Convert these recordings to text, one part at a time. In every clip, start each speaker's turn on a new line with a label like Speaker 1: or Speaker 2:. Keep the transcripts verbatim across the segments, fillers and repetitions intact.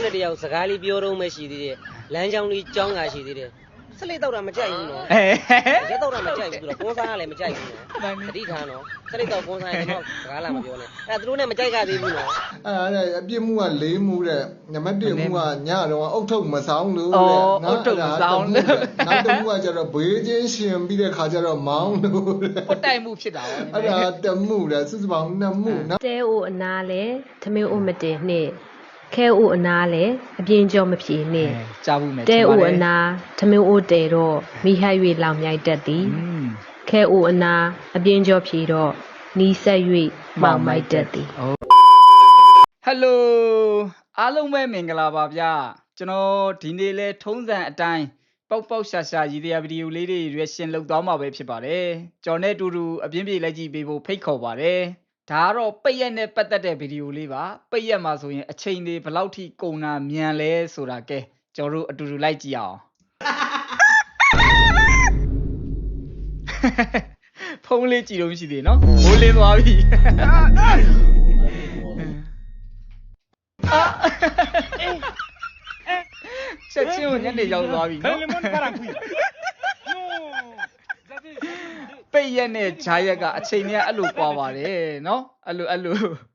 Speaker 1: နဲ့တယောက်စကားလေးပြောတော့မှရှိသေးတယ်လမ်းကြောင်းလေးကြောင်းတာရှိသေးတယ်ဆက်လက်တော့တာမကြိုက်ဘူးနော်ရက်တော့တာမကြိုက်ဘူးသူတော့ကွန်ဆာကလည်းမကြိုက်ဘူးနော်တတိထားနော်ဆက်လက်တော့ကွန်ဆာကျွန်တော်စကားလာမပြောနဲ့အဲသူတို့နဲ့မကြိုက်ကသေးဘူးနော်
Speaker 2: အဲ့ဒါအပြစ်မှုကလေးမှုတဲ့နံပါတ်တစ်မှုကညတော့အုတ်ထုတ်မဆောင်လို့တဲ့
Speaker 3: အုတ်ထုတ်မဆောင်လို့
Speaker 2: နောက်တစ်မှုကကျတော့ဘေးချင်းရှင်ပြီးတဲ့ခါကျတော့မောင်းလို့
Speaker 3: ပွတ်တိုင်မှုဖြစ်တာ
Speaker 2: အဲ့ဒါတမှုတဲ့စုစုပေါင်းနှစ်မှုနော်
Speaker 4: တဲအိုအနာလဲသမင်းအိုမတင်နှင့်ခဲအိုအနာလဲအပြင်းကြောမဖြေနှင့်
Speaker 3: ကြားဘူးမယ်
Speaker 4: တဲအိုအနာသမင်းအိုတဲတော့မိဟ၍လောင်မြိုက်တတ်သည်ခဲအိုအနာအပြင်းကြောဖြေတော့နီးဆက်၍မောင်မိုက်တတ်သည်
Speaker 3: ဟယ်လိုအားလုံးပဲမင်္ဂလာပါဗျာကျွန်တော်ဒီနေ့လဲထုံးစံအတိုင်းပေါက်ပေါက်ရှာရှာရည်ရွယ်ဗီဒီယိုလေးတွေရွေးရှင်လုပ်သွားမှာပဲဖြစ်ပါတယ်ကျွန်တော်နဲ့အတူတူအပြင်းပြေလိုက်ကြည့်ပေးဖို့ဖိတ်ခေါ်ပါတယ်ဒါကတော့ပိတ်ရက်နဲ့ပတ်သက်တဲ့ဗီဒီယိုလေးပါပိတ်ရက်မှာဆိုရင်အချိန်တွေဘယ်လောက်ထိကုန်တာမြန်လဲဆိုတာကဲကျွန်တော်တို့အတူတူလိုက်ကြည့်အောင်ဖုန်းလေးကြည့်လို့ရှိသေးနော်မိုးလင်းသွားပြီချက်ချင်းကိုညနေရောက်သွားပြီနော်ပိတ်ရက်နဲ့ဂျားရက်ကအချိန်တွေကအဲ့လိုကွာပါတယ်နော်အဲ့လိုအဲ့လို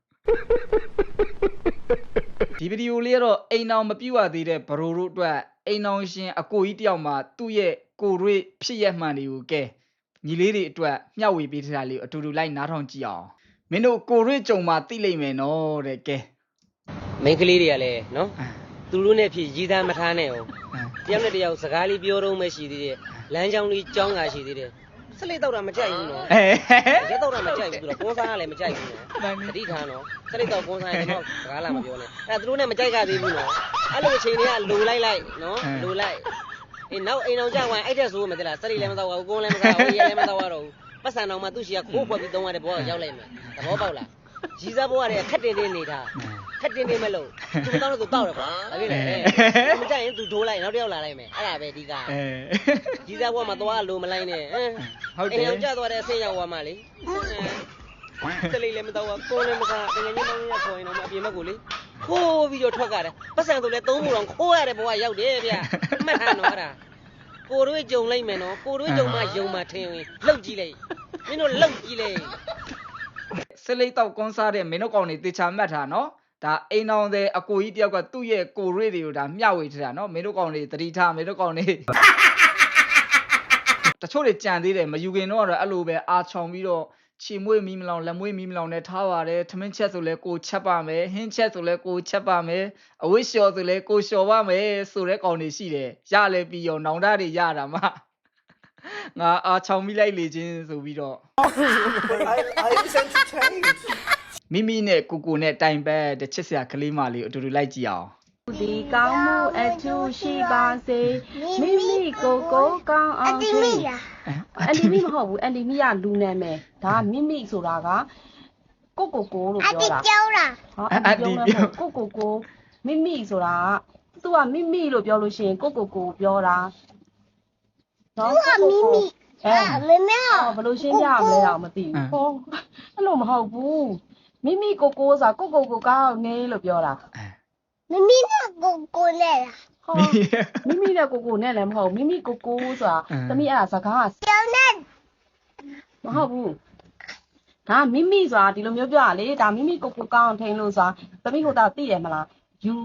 Speaker 3: ဒီဗီဒီယိုလေးကတော့အိမ်အောင်မပြည့်ဝသေးတဲ့ဘရိုတို့အတွက်အိမ်အောင်ရှင်အကိုကြီးတယောက်မှသူ့ရဲ့ကိုရွေးဖြစ်ရက်မှန်တွေကိုကဲညီလေးတွေအတွက်မျှဝေပေးထားတာလေးအတူတူလိုက်နားထောင်ကြည့်အောင်မင်းတို့ကိုရွေးကြုံမှသိလိမ့်မယ်နော်တဲ့ကဲ
Speaker 1: မိန်းကလေးတွေကလည်းနော်သူတို့နဲ့ဖြစ်ရည်သားမထားနဲ့ဟုတ်တယောက်နဲ့တယောက်စကားလေးပြောတော့မှရှိသေးတယ်လမ်းကြောင်းလေးကြောင်းတာရှိသေးတယ်ဆက်လက်တော့တာမကြိုက်ဘူးနော်ရက်တော့တာမကြိုက်ဘူးသူတော့ကွန်ဆာကလည်းမကြိုက်ဘူးနော်တတိထားနော်ဆက်လက်တော့ကွန်ဆာကျွန်တော်စကားလာမပြောနဲ့အဲသူတို့နဲ့မကြိုက်ကသေးဘူးနော်အဲ့လိုအချိန်တွေကလိုလိုက်လိုက်နော်လိုလိုက်အေးနောက်အိမ်အောင်ကြွားအဲ့တဲ့ဆိုမှမသိလားစက်ရီလည်းမတော့ဘူးကွန်လည်းမစားဘူးရေလည်းမတော့တော့ဘူးပတ်စံတော်မှသူ့ရှိကခိုးဖွက်ပြီးသုံးရတဲ့ဘောကရောက်လိုက်မယ်သဘောပေါက်လားရီးစားဘောကလည်းခက်တင်တင်နေတာခက်တင်တင်မလို့သူတောင်းလို့သူတောက်တယ်ကွာဒါဖြစ်လေမကြိုက်ရင်သူဒိုးလိုက်နောက်တစ်ယောက်လာလိုက်မယ်အဲ့ဒါပဲဒီကရီးစားဘောမှာသွားလို့မလိုက်နဲ့ဟုတ်တယ်အိမ်အောင်ကြသွားတဲ့အဆင်းရောက်သွားမှလေစက်ရီလည်းမတော့ဘူးကွန်လည်းမစားတကယ်ကြီးမောင်းရခေါ်ရင်တော့အပြင်ဘက်ကိုလေခိုးပြီးတော့ထွက်ကြတယ်ပတ်စံဆိုလဲသုံးမှုတော့ခိုးရတဲ့ဘောကရောက်တယ်ဗျမှတ်ထားနော်အဲ့ဒါကိုတို့ကြုံလိုက်မယ်နော်ကိုတို့ကြုံမှယုံမှထင်ရင်လှုပ်ကြည့်လိုက်မင်းတို့လှုပ်ကြည့်လိုက်
Speaker 3: စလိတ်တော့ကွန်ဆာတဲ့မင်းတို့ကောင်တွေတေချာမှတ်ထားနော်ဒါအိမ်အောင်တဲ့အကိုကြီးတယောက်ကသူ့ရဲ့ကိုရွေးတွေကိုဒါမျှဝေထားတာနော်မင်းတို့ကောင်တွေတတိထားမင်းတို့ကောင်တွေတချို့တွေကြံသေးတယ်မယူခင်တော့အဲ့လိုပဲအာချောင်ပြီးတော့ချီမွေးမီးမလောင်လက်မွေးမီးမလောင်နဲ့ထားပါတယ်ထမင်းချက်ဆိုလဲကိုချက်ပါမယ်ဟင်းချက်ဆိုလဲကိုချက်ပါမယ်အဝိရှော်ဆိုလဲကိုလျှော်ပါမယ်ဆိုတဲ့ကောင်တွေရှိတယ်ရလဲပြီးရောနောင်တတွေရတာမှငါအာချောင်မိလိုက်လေချင်းဆိုပြီးတော့မိမိနဲ့ကိုကိုနဲ့တိုင်ပတ်တဲ့ချစ်စရာကလေးမလေးကိုအတူတူလိုက်ကြည့်အောင်
Speaker 4: ဒီကောင်းမှုအထူးရှိပါစေမိမိကိုကိုကောင်းအောင်ချီအလီမီမဟုတ်ဘူးအလီမီကလူနာမည်ဒါမိမိဆိုတာကကိုကိုကိုလို့ပြောတာ
Speaker 5: အတီပြောတာ
Speaker 4: ဟောအတီပြောကိုကိုကိုမိမိဆိုတာကသူကမိမိလို့ပြောလို့ရှိရင်ကိုကိုကိုပြောတာ
Speaker 5: နော်သူကမိမိအဲမမေ
Speaker 4: ဘယ်လိုရှင်းပြရမလဲတော့မသိဘူးဟောအဲ့လိုမဟုတ်ဘူးမိမိကိုကိုဆိုတာကိုကိုကိုကောင်းနေလို့ပြောတာ
Speaker 5: မိမိနဲ့ကိုကိုနဲ့လား
Speaker 4: ဟောမိမိနဲ့ကိုကိုနဲ့လည်းမဟုတ်မိမိကိုကိုဆိုတာသမီးအဲ့ဒါစကား
Speaker 5: ပြောနေ
Speaker 4: မဟုတ်ဘူးဒါမိမိဆိုတာဒီလိုမျိုးပြောရလေဒါမိမိကိုကိုကောင်းထိန်လို့ဆိုတာသမီးကိုတော့သိတယ်မလား you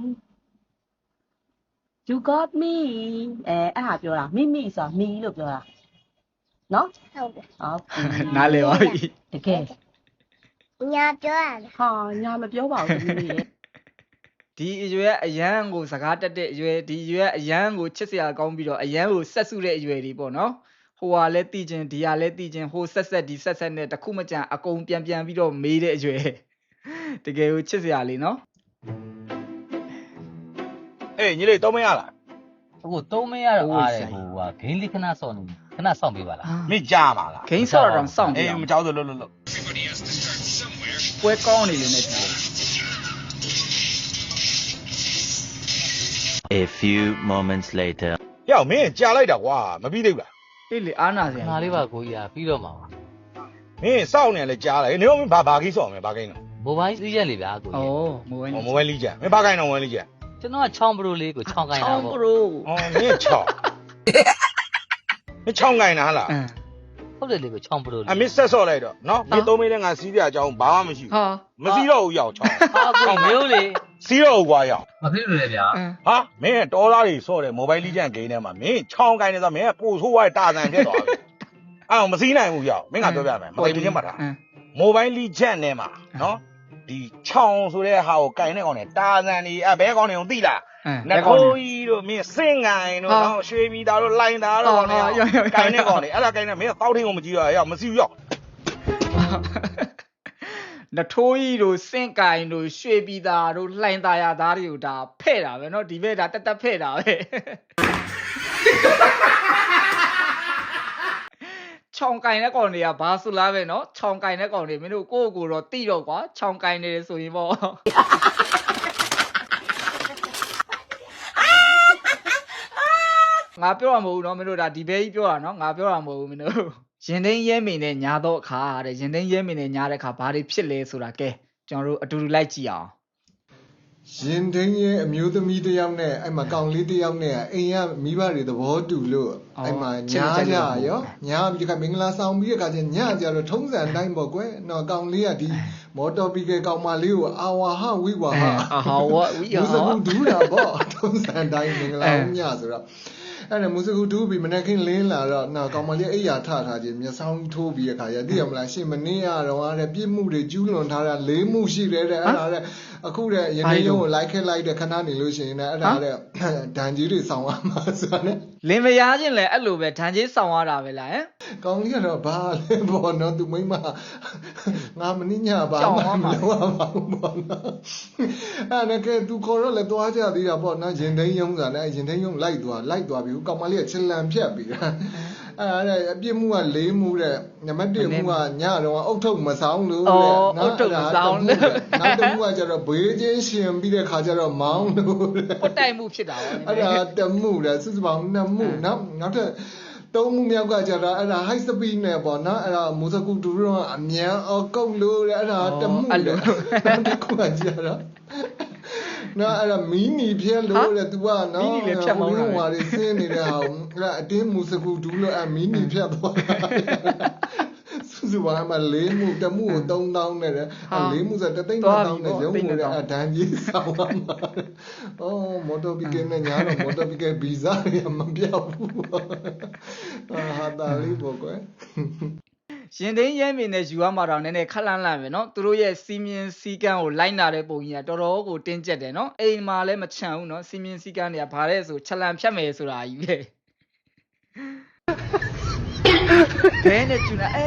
Speaker 4: you got me အဲအဲ့ဟာပြောတာမိမိဆိုတာမီလို့ပြောတာနော်
Speaker 5: ဟုတ်တယ်
Speaker 4: ဟုတ်
Speaker 3: နားလည်ပါပြီ
Speaker 4: တကယ်
Speaker 5: ညာပြောရလား
Speaker 4: ဟာညာမပြောပါဘူးသမီးရဲ့
Speaker 3: ဒီအရွယ်အရန်ကိုစကားတက်တဲ့အရွယ်ဒီအရွယ်အရန်ကိုချစ်စရာကောင်းပြီးတော့အရန်ကိုဆက်စုတဲ့အရွယ်တွေပေါ့နော်ဟိုဟာလဲတည်ခြင်းဒီဟာလဲတည်ခြင်းဟိုဆက်ဆက်ဒီဆက်ဆက်နဲ့တခုမကြံအကုန်ပြန်ပြန်ပြီးတော့မေးတဲ့အရွယ်တကယ်ကိုချစ်စရာလေးနော်
Speaker 6: အေးညီလေးတော့မရလား
Speaker 7: အခုတော့မရတော့အားတယ်ဟိုဟာဂိမ်းလေးခဏစောင့်နေခဏစောင့်ပေးပါလား
Speaker 6: မင်းကြားပါလား
Speaker 3: ဂိမ်းစောင့်တော့စောင့်ပေး
Speaker 6: အေးမကြောက်လို့လို့လို့
Speaker 3: ပွဲကောင်းနေလို့နဲ့ဒီ
Speaker 8: A few moments later
Speaker 6: ယောက်မင်းကြာလိုက်တာကွာမပြီးသေးဘူးလား
Speaker 3: အေးလေအားနာစရာ
Speaker 7: ငါလေးပါကိုကြီးอ่ะပြီးတော့မှာပါ
Speaker 6: မင်းစောင့်နေလဲကြားလိုက်နေတော့မင်းဘာဘာကြီးစောင့်မယ်ဘာကိန်းတော့
Speaker 7: မိုဘိုင်းစီးရက်လေဗျာကိုကြီး
Speaker 3: ဩမိုဘိုင်း
Speaker 6: မိုဘိုင်းလေးကြမင်းဘာကိန်းတော့မိုဘိုင်းလေးကြ
Speaker 7: ကျွန်တော်ကချောင်းပရိုလေးကိုချောင်းကိုင်းတာ
Speaker 4: ချောင်း
Speaker 7: ပေါ့
Speaker 4: ပရို
Speaker 6: 哦，你也吵，你吵干哪了？
Speaker 7: ဟုတ်တယ်လေကိုချောင်းပရိုလေး
Speaker 6: 啊，没说说来着，喏，你都没人俺洗点叫爸没洗，
Speaker 3: ဟာ
Speaker 6: 没洗了要吵，
Speaker 7: ဟာကိုမျိုးလေ
Speaker 6: 洗了我要。
Speaker 7: မဖြစ်လို့လေဗျာ
Speaker 6: 啊，没多大的说的，莫白理解给呢嘛，没吵干的时候没不出外大战别多。啊，我们洗呢不要，没俺这边没，莫白理解嘛他，莫白理解呢嘛，喏，你吵出来好干那个呢，大战的啊，别讲那种地了。那可以咯，没生爱咯，然后学米大咯，来大咯，干那个呢，啊，干那没有早听我们就要要，没需要。
Speaker 3: နထိုးကြီးတို့စင့်ကိုင်တို့ရွှေပြည်သားတို့လှိုင်သားရသားတွေကိုဒါဖဲ့တာပဲเนาะဒီဘက်ဒါတက်တက်ဖဲ့တာပဲချောင်းကိုင်တဲ့ကောင်တွေကဘာဆိုလားပဲเนาะချောင်းကိုင်တဲ့ကောင်တွေမင်းတို့ကိုယ့်ကိုယ်တော့တိတော့ကွာချောင်းကိုင်နေတယ်ဆိုရင်ပေါ့ငါပြောရမဟုတ်ဘူးเนาะမင်းတို့ဒါဒီဘဲကြီးပြောတာเนาะငါပြောတာမဟုတ်ဘူးမင်းတို့ ရင်သိမ်းရဲမိန်နဲ့ညာတော့အခါတဲ့ရင်သိမ်းရဲမိန်နဲ့ညာတဲ့အခါဘာတွေဖြစ်လဲဆိုတာကဲကျွန်တော်တို့အတူတူလိုက်ကြည့်အောင်
Speaker 2: ရင်ထင်းရဲ့အမျိုးသမီးတစ်ယောက်နဲ့အဲ့မှာကောင်လေးတစ်ယောက်နဲ့အိမ်ကမိဘတွေသဘောတူလို့အဲ့မှာညာကြရောညာပြီးခါမင်္ဂလာဆောင်ပြီးတဲ့အခါကျညကြတော့ထုံးစံတိုင်းပေါ့ကွယ်နော်ကောင်လေးကဒီမော်တော်ဘီကယ်ကောင်မလေးကိုအာဝါဟဝိဝါဟ
Speaker 3: အာဟာဝဝိဟာ
Speaker 2: ဘူးစကူဒူးတာပေါ့ထုံးစံတိုင်းမင်္ဂလာညဆိုတော့ အဲ့ဒါမူစကူတူးပြီးမနေ့ကင်းလင်းလာတော့နော်ကောင်မလေးအိယာထထားခြင်းမျက်စောင်းထိုးပြီးတဲ့ခါရသိရမလားရှင်မနေ့ကတော့တဲ့ပြစ်မှုတွေကျူးလွန်ထားတာလေးမှုရှိတယ်တဲ့အဲ့ဒါတဲ့အခုတဲ့ရင်းနှီးရုံးကိုလိုက်ခဲလိုက်တဲ့ခဏနေလို့ရှိရင်လည်းအဲ့ဒါတဲ့ဒဏ်ကြီးတွေဆောင်ရမှာဆိုတာနဲ့
Speaker 3: လင်မယားချင်းလည်းအဲ့လိုပဲဒဏ်ကြီးဆောင်ရတာပဲလားဟမ်
Speaker 2: ကောင်းကြီးကတော့ဘာလဲပေါ့နော်သူမိမငါမနှညပါမလို့ပါဘူးပေါ့နော်အဲ့ဒါကသူခေါ်တော့လည်းသွားကြသေးတာပေါ့နော်ရင်သိမ်းရုံးဆိုတာနဲ့ရင်သိမ်းရုံးလိုက်သွားလိုက်သွားပြီးကောင်မလေးကချလန်ဖြတ်ပြီးအဲ့ဒါတဲ့အပြစ်မှုကလေးမှုတဲ့နံပါတ်တစ်မှုကညတော့အုတ်ထုတ်မဆောင်လို့တဲ့နောက်တစ်မှုကကျတော့ဘေးချင်းရှင်ပြီးတဲ့ခါကျတော့မောင်းလို့
Speaker 3: ပွတ်တိုက်မှုဖြစ်တာပါ
Speaker 2: အဲ့ဒါတမှုတဲ့စုစုပေါင်းနှစ်မှုနော်နောက်ထပ် သုံးမှုမြောက်ကကြတော့အဲ့ဒါ high speed နဲ့ပေါ့နော်အဲ့ဒါမူစကူတူတော့အမြန်အော်ကုတ်လို့အဲ့ဒါတမှုလေတခုကကြတော့နော်အဲ့ဒါမီနီဖြဲလို့တဲ့ तू ကနော်မီနီလည်းဖြတ်မောင်းတာဟိုဟာတွေဆင်းနေတဲ့ဟာအဲ့ဒါအတင်းမူစကူတူလို့အဲ့မီနီဖြတ်သွားတာစုစုပေါင်းမှာလေးမှုတမှုကိုသုံးတောင်းနဲ့တဲ့လေးမှုဆိုတသိန်းတောင်းနဲ့ရုံးမှုတဲ့အဒန်းကြီးဆောင်ပါမှာအော်မော်တော်ဘီကယ်နဲ့ညာတော့မော်တော်ဘီကယ်ဗီဇာရမပြောက်ဘူးဟာတာလေးပေါ့ကွယ်
Speaker 3: ရင်သိမ်းရဲမိန်နဲ့ယူရမှာတော့နည်းနည်းခက်လန့်လန့်ပဲเนาะသူတို့ရဲ့စီမင်းစီကန်းကိုလိုက်နာတဲ့ပုံကြီးကတော်တော်ကိုတင်းကျပ်တယ်เนาะအိမ်မှာလည်းမချမ်းဘူးเนาะစီမင်းစီကန်းတွေကဘာလဲဆိုချက်လန်ဖြတ်မယ်ဆိုတာကြီးပဲဘဲနဲ့ကျူနာအဲ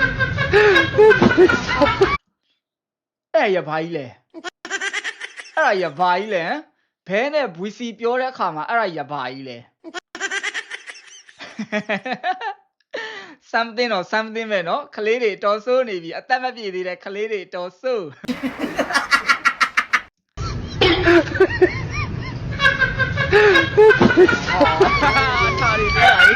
Speaker 3: အဲ့ရဘာကြီးလဲအဲ့ရဘာကြီးလဲဘဲနဲ့ဘွီစီပြောတဲ့အခါမှာအဲ့ရဘာကြီးလဲ something or something ပဲเนาะခလေးတွေတော်ဆိုးနေပြီအသက်မပြည့်သေးတဲ့ခလေးတွေတော်ဆိုးထာရီပြလိုက်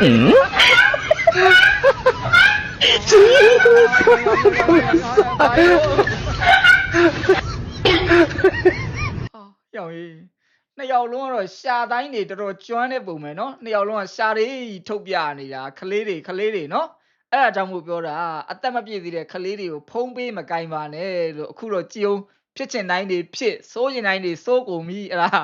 Speaker 3: ယောက်ကြီးနှစ်ယောက်လုံးကတော့ရှာတိုင်းတွေတော်တော်ကျွမ်းတဲ့ပုံပဲเนาะနှစ်ယောက်လုံးကရှာတွေထုတ်ပြနေတာခလေးတွေခလေးတွေเนาะအဲ့ဒါကြောင့်မို့ပြောတာအသက်မပြည့်သေးတဲ့ခလေးတွေကိုဖုံးပေးမကင်ပါနဲ့လို့အခုတော့ကြည်အောင်ဖြစ်ချင်တိုင်းတွေဖြစ်စိုးရင်တိုင်းတွေစိုးကုန်ပြီအဲ့ဒါ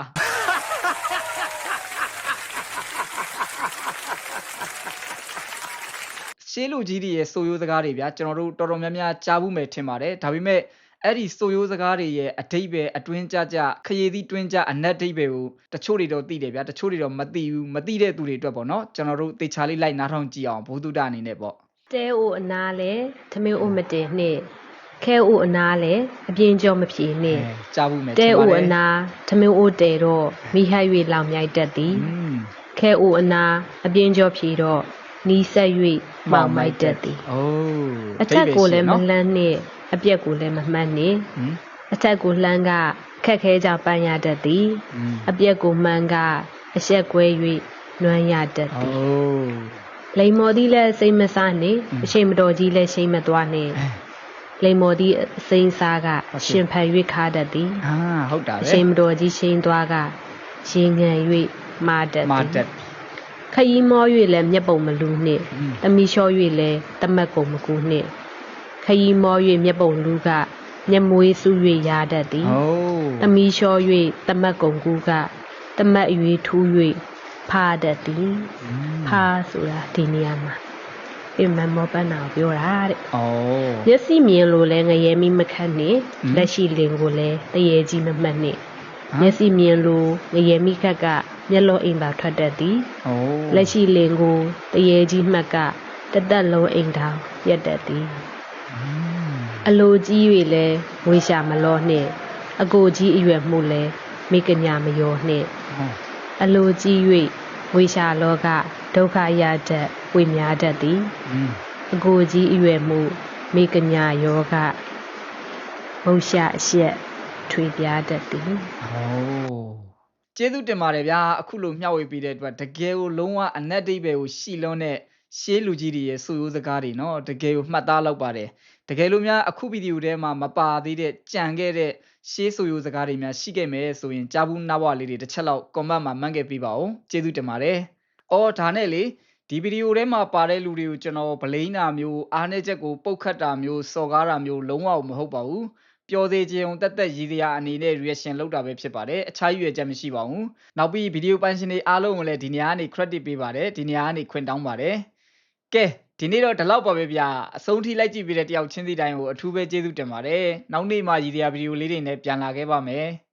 Speaker 3: ရှေးလူကြီးတွေရဲ့စိုးရိုးစကားတွေဗျာကျွန်တော်တို့တော်တော်များများကြားဘူးမယ်ထင်ပါတယ်ဒါပေမဲ့အဲ့ဒီစိုးရိုးစကားတွေရဲ့အတိတ်ပဲအတွင်းကြကြခရီးသီးတွင်းကြအနက်တိတ်ပဲကိုတချို့တွေတော့သိတယ်ဗျာတချို့တွေတော့မသိဘူးမသိတဲ့သူတွေအတွက်ပေါ့နော်ကျွန်တော်တို့တေချာလေးလိုက်နားထောင်ကြည့်အောင်ဘုသူတ္တအနေနဲ့ပေါ့
Speaker 5: တဲအိုအနာလဲသမင်းအိုမတင်နဲ့ခဲအိုအနာလဲအပြင်းကြောမဖြေနဲ့
Speaker 3: ကြားဘူးမယ်
Speaker 5: တဲအိုအနာသမင်းအိုတဲတော့မိဟ၍လောင်မြိုက်တတ်သည်ခဲအိုအနာအပြင်းကြောဖြေတော့နီးဆက်၍မောင်မိုက်တတ်သည်
Speaker 3: အိုး
Speaker 5: အထက်ကိုလည်းမလန်းနဲ့အပြက်ကိုလည်းမမှတ်နဲ့အထက်ကိုလှမ်းကခက်ခဲကြပန်းရတတ်သည်အပြက်ကိုမှန်းကအဆက်ကွဲ၍နွမ်းရတတ်သည်
Speaker 3: အိုး
Speaker 5: လိမ္မော်သီးလည်းစိတ်မစားနဲ့အချိန်မတော်ကြီးလည်းရှိမသွားနဲ့လိမ္မော်သီးစိမ့်စားကရှင်ဖန်၍ခါတတ်သည်
Speaker 3: အာဟုတ်တာပဲ
Speaker 5: အချိန်မတော်ကြီးရှိန်သွားကရေငံ၍မာတတ်
Speaker 3: မာ
Speaker 5: သည်
Speaker 3: တက်
Speaker 5: ခရီးမော၍လည်းမျက်ပုံမလူနှင့်တမီလျှော၍လည်းတမတ်ကုန်မကူနှင့်ခရီးမော၍မျက်ပုံလူကမျက်မွေးစု၍ရာတတ်သည်
Speaker 3: ဟို
Speaker 5: တမီလျှော၍တမတ်ကုန်ကူကတမတ်၍ထူး၍ဖာတတ်သည်ဖာဆိုတာဒီနေရာမှာအိမ်မမောပန်းနာကိုပြောတာတဲ့
Speaker 3: ဩ
Speaker 5: မျက်စိမြင်လို့လဲငရဲမိမခတ်နဲ့လက်ရှိလင်ကိုလဲတရေကြီးမမှတ်နဲ့မျက်စိမြင်လို့ငရဲမိခတ်ကမျက်လုံးအိမ်သာထွက်တတ်သည်
Speaker 3: ဩ
Speaker 5: လက်ရှိလင်ကိုတရေကြီးမှတ်ကတသက်လုံးအိမ်ထောင်ရက်တတ်သည်အလိုကြီး၍လဲဝေရှာမလောနှင့်အကိုကြီးအရွယ်မှုလဲမိကညာမယောနှင့်အလိုကြီး၍ဝေရှာလောကဒုက္ခရတတ်ဝေများတတ်သည်
Speaker 3: อืม
Speaker 5: အကိုကြီးအရွယ်မှုမိကညာယောဂမုတ်ရှအရှက်ထွေပြားတတ်သည်
Speaker 3: ဩကျေးဇူးတင်ပါတယ်ဗျာအခုလိုမျှဝေပေးတဲ့အတွက်တကယ်ကိုလုံးဝအနက်အဓိပ္ပာယ်ကိုရှီလွန်းတဲ့ရှေးလူကြီးတွေရဲ့ဆိုရိုးစကားတွေเนาะတကယ်ကိုမှတ်သားလောက်ပါတယ်တကယ်လို့များအခုဗီဒီယိုထဲမှာမပါသေးတဲ့ကြံခဲ့တဲ့ရှေးဆိုရိုးစကားတွေများရှိခဲ့မယ်ဆိုရင်ကြားဘူးနားဘွားလေးတွေတစ်ချက်လောက် comment မှာမှတ်ခဲ့ပေးပါဦးကျေးဇူးတင်ပါတယ်အော်ဒါနဲ့လေဒီဗီဒီယိုထဲမှာပါတဲ့လူတွေကိုကျွန်တော်ဗလိန်းတာမျိုးအားနည်းချက်ကိုပုတ်ခတ်တာမျိုးစော်ကားတာမျိုးလုံးဝမဟုတ်ပါဘူးပျော်စေခြင်းတက်တက်ရည်စရာအနေနဲ့ reaction လုပ်တာပဲဖြစ်ပါတယ်အခြားရွေချက်မရှိပါဘူးနောက်ပြီးဗီဒီယိုပိုင်ရှင်တွေအားလုံးကိုလည်းဒီနေရာကနေ credit ပေးပါတယ်ဒီနေရာကနေခွင့်တောင်းပါတယ်ကဲဒီနေ့တော့ဒီလောက်ပါပဲဗျာအဆုံးထိလိုက်ကြည့်ပေးတဲ့တယောက်ချင်းစီတိုင်းကိုအထူးပဲကျေးဇူးတင်ပါတယ်နောက်နေ့မှရည်စရာဗီဒီယိုလေးတွေနဲ့ပြန်လာခဲ့ပါမယ်